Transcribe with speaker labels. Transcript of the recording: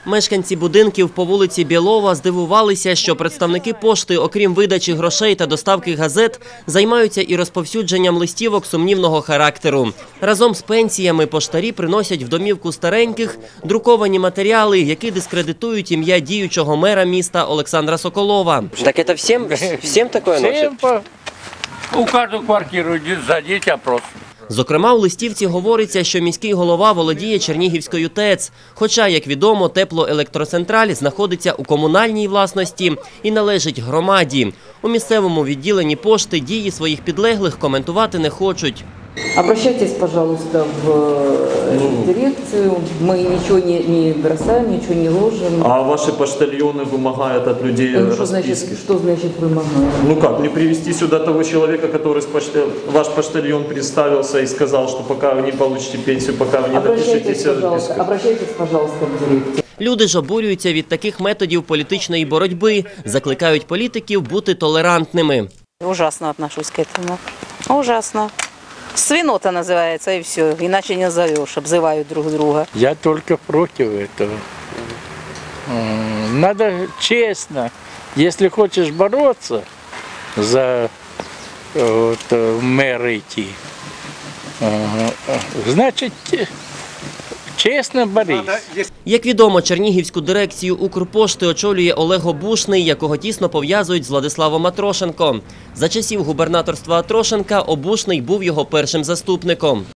Speaker 1: Мешканці будинків по вулиці Білова здивувалися, що представники пошти, окрім видачі грошей та доставки газет, займаються і розповсюдженням листівок сумнівного характеру. Разом з пенсіями поштарі приносять в домівку стареньких друковані матеріали, які дискредитують ім'я діючого мера міста Олександра Соколова. Так це всім таке носять?
Speaker 2: У кожну квартиру зайдіть, опрос.
Speaker 1: Зокрема, у листівці говориться, що міський голова володіє Чернігівською ТЕЦ. Хоча, як відомо, теплоелектроцентраль знаходиться у комунальній власності і належить громаді. У місцевому відділенні пошти дії своїх підлеглих коментувати не хочуть.
Speaker 3: Обращайтесь, пожалуйста, в дирекцию. Мы ничего не бросаем, ничего не ложим.
Speaker 4: А ваши поштальоны вымогают от людей расписки?
Speaker 3: Что значит вымогают?
Speaker 4: Ну как, не привести сюда того человека, который ваш поштальон представился и сказал, что пока вы не получите пенсию, пока вы не напишите расписку?
Speaker 3: Обращайтесь, пожалуйста, в дирекцию.
Speaker 1: Люди ж обурюються від таких методів політичної боротьби, закликають політиків бути толерантними.
Speaker 5: Ужасно отношусь к этому. Ужасно. Свинота называется, и все. Иначе не назовешь, обзывают друг друга.
Speaker 2: Я только против этого. Надо честно, если хочешь бороться за мэра идти, значит, чесно борись.
Speaker 1: Як відомо, Чернігівську дирекцію Укрпошти очолює Олег Обушний, якого тісно пов'язують з Владиславом Атрошенко. За часів губернаторства Атрошенка Обушний був його першим заступником.